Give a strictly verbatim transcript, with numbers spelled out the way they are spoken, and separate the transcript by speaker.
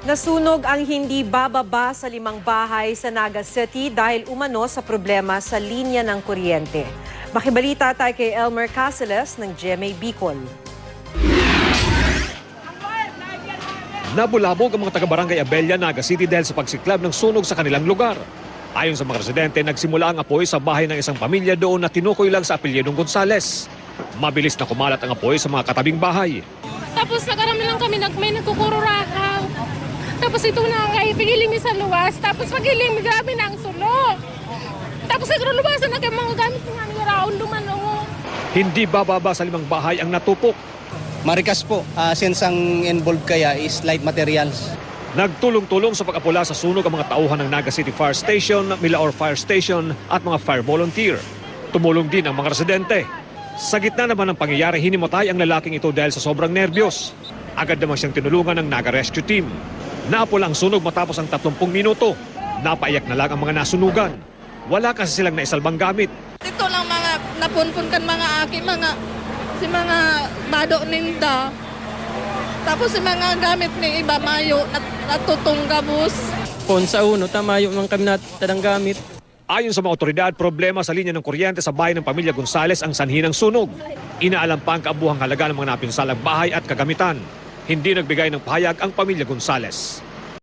Speaker 1: Nasunog ang hindi bababa sa limang bahay sa Naga City dahil umano sa problema sa linya ng kuryente. Makibalita tayo kay Elmer Caceres ng G M A Bicol.
Speaker 2: Nabulabog ang mga taga-barangay Abella, Naga City dahil sa pagsiklab ng sunog sa kanilang lugar. Ayon sa mga residente, nagsimula ang apoy sa bahay ng isang pamilya doon na tinukoy lang sa apelyedong Gonzales. Mabilis na kumalat ang apoy sa mga katabing bahay.
Speaker 3: Tapos nakarami lang kami, nag, may nagkukururakaw. Tapos ito na kay pigiling mi sa luwas. Tapos pagiling mi, grabe na ang sulo. Tapos nagruluwasan na kayo mga gamit nga ni Raon Lumano.
Speaker 2: Hindi bababa sa limang bahay ang natupok.
Speaker 4: Marikas po, uh, since ang involved kaya is light materials.
Speaker 2: Nagtulong-tulong sa pag-apula sa sunog ang mga tauhan ng Naga City Fire Station, Milaor Fire Station at mga fire volunteer. Tumulong din ang mga residente. Sa gitna naman ng pangyayari, hinimatay ang lalaking ito dahil sa sobrang nerbiyos. Agad naman siyang tinulungan ng Naga Rescue Team. Naapula ang sunog matapos ang tatlumpung minuto. Napaiyak na lang ang mga nasunugan. Wala kasi silang naisalbang gamit.
Speaker 5: Ito lang mga napunpunkan mga aki, mga si mga bado ninda. Tapos si mga gamit ni iba mayo nat, natutunggabos.
Speaker 6: Pon sa uno, tamayo ng kami natadang gamit.
Speaker 2: Ayon sa mga otoridad, problema sa linya ng kuryente sa bahay ng pamilya Gonzales ang sanhi ng sunog. Inaalam pa ang kaabuhang halaga ng mga napinsalang bahay at kagamitan. Hindi nagbigay ng pahayag ang pamilya Gonzales.